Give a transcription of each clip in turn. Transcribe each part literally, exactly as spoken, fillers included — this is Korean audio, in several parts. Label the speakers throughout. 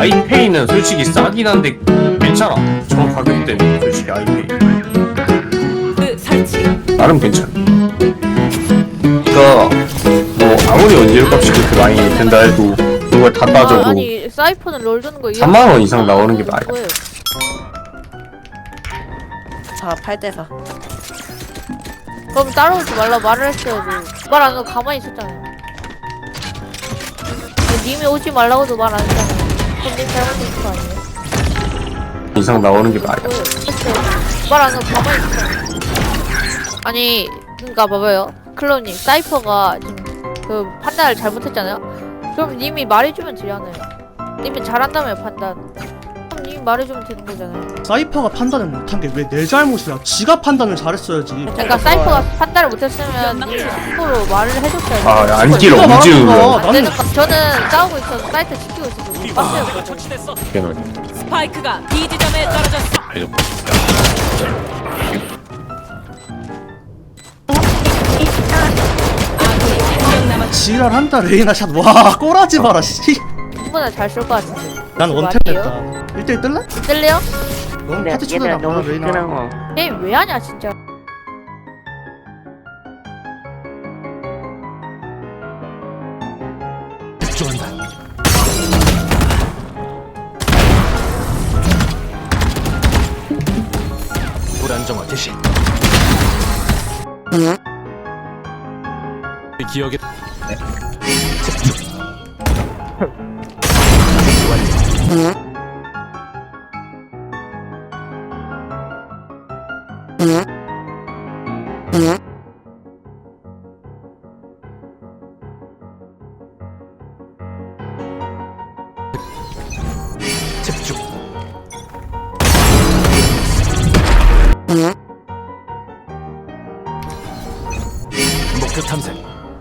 Speaker 1: 아이페이는 솔직히 싸긴 한데 괜찮아. 저 가격 때문에 솔직히 아이페이
Speaker 2: 그 설치.
Speaker 1: 나름 괜찮아. 그니까 뭐 아무리 원재료 값이 그렇게 많이 된다 해도 그걸 다 따져도
Speaker 3: 아, 아니 사이퍼는 롤 드는 거
Speaker 1: 삼만 원 이상 나오는 게 말이야.
Speaker 3: 거예요.
Speaker 2: 자, 팔 대 사.
Speaker 3: 그럼 따라오지 말라 말을 했어야지. 말 안 하고 가만히 있었잖아요. 님이 오지 말라고도 말 안 했잖아요. 그럼 님 잘못된 거 아니에요?
Speaker 1: 이상 나오는 게 말이야.
Speaker 3: 말 안 하고 가만히 있었잖아요. 아니 그니까 봐봐요. 클로님 사이퍼가 지금 그 판단을 잘못했잖아요. 그럼 님이 말해주면 되잖아요. 님이 잘한다며 판단. 그럼 님이 말해주면 되는 거잖아요.
Speaker 4: 사이퍼가 판단을 못한 게 왜 내 잘못이야? 지가 판단을 잘했어야지.
Speaker 3: 그러니까 사이퍼가 판단을 못했으면 님이 스스로 말을 해줬어야죠.
Speaker 1: 아 안길
Speaker 4: 네가
Speaker 1: 엄지
Speaker 4: 말한
Speaker 1: 울려.
Speaker 4: 거.
Speaker 3: 안 되는 거. 저는 싸우고 있어서 사이트 지키고 있어서 못 봤어요.
Speaker 2: 스파이크가 B 지점에 떨어졌어. 아군이 한명 남았.
Speaker 4: 지랄한다 레이나 샷. 와 꼬라지 마라 씨.
Speaker 3: 충분히 잘쏠 것 같은데.
Speaker 4: 난
Speaker 3: 그거
Speaker 4: 원탭
Speaker 3: 아니에요?
Speaker 4: 됐다. 일 대일 뜰래?
Speaker 3: 뜰래요?
Speaker 4: 넌 파티 쳐도 나가 레이나.
Speaker 3: 게임 왜 하냐 진짜.
Speaker 5: 불안정화 개시. 기억에 집중. 집중. 목표 탐색.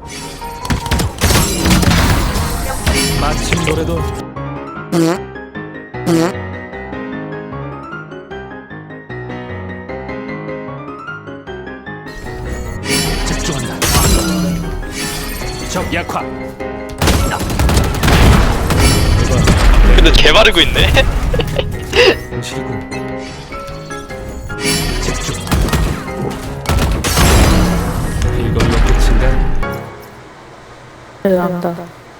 Speaker 5: 마침 노래도 집중한다. 적 약화.
Speaker 6: 근데 개바르고 있네.
Speaker 5: 실군. 집중. 이걸로 끝인가?
Speaker 3: 네, 안다.